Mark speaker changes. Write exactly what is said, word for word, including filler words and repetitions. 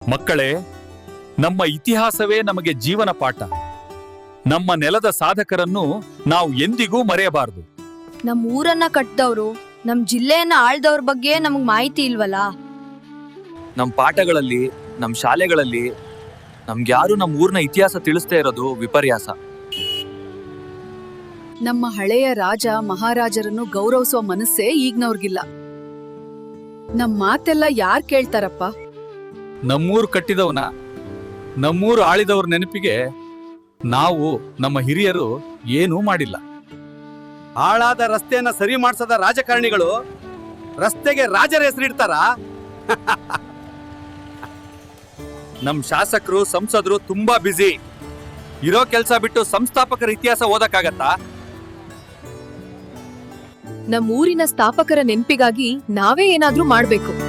Speaker 1: ಮಕ್ಕಳೇ, ನಮ್ಮ ಇತಿಹಾಸವೇ ನಮಗೆ ಜೀವನ ಪಾಠ. ನಮ್ಮ ನೆಲದ ಸಾಧಕರನ್ನು ನಾವು ಎಂದಿಗೂ ಮರೆಯಬಾರದು.
Speaker 2: ನಮ್ ಊರನ್ನ ಕಟ್ಟಿದವ್ರು, ನಮ್ ಜಿಲ್ಲೆಯನ್ನ ಆಳ್ದವ್ರ ಬಗ್ಗೆ ನಮಗ್ ಮಾಹಿತಿ ಇಲ್ವಲ್ಲ.
Speaker 3: ನಮ್ ಪಾಠಗಳಲ್ಲಿ, ನಮ್ ಶಾಲೆಗಳಲ್ಲಿ ನಮ್ಗ್ಯಾರು ನಮ್ ಊರ್ನ ಇತಿಹಾಸ ತಿಳಿಸ್ತಾ ಇರೋದು ವಿಪರ್ಯಾಸ.
Speaker 4: ನಮ್ಮ ಹಳೆಯ ರಾಜ ಮಹಾರಾಜರನ್ನು ಗೌರವಿಸುವ ಮನಸ್ಸೇ ಈಗ್ನವ್ರಿಗಿಲ್ಲ. ನಮ್ ಮಾತೆಲ್ಲ ಯಾರ್ ಕೇಳ್ತಾರಪ್ಪ?
Speaker 1: ನಮ್ಮೂರು ಕಟ್ಟಿದವನ, ನಮ್ಮೂರು ಆಳಿದವ್ರ ನೆನಪಿಗೆ ನಾವು, ನಮ್ಮ ಹಿರಿಯರು ಏನೂ ಮಾಡಿಲ್ಲ.
Speaker 5: ಹಾಳಾದ ರಸ್ತೆಯನ್ನ ಸರಿ ಮಾಡಿಸದ ರಾಜಕಾರಣಿಗಳು ರಸ್ತೆಗೆ ರಾಜರ ಹೆಸರಿಡ್ತಾರ?
Speaker 1: ನಮ್ ಶಾಸಕರು, ಸಂಸದರು ತುಂಬಾ ಬ್ಯುಸಿ. ಇರೋ ಕೆಲ್ಸ ಬಿಟ್ಟು ಸಂಸ್ಥಾಪಕರ ಇತಿಹಾಸ ಓದಕ್ಕಾಗತ್ತಾ?
Speaker 4: ನಮ್ ಊರಿನ ಸ್ಥಾಪಕರ ನೆನ್ಪಿಗಾಗಿ ನಾವೇ ಏನಾದ್ರೂ ಮಾಡ್ಬೇಕು.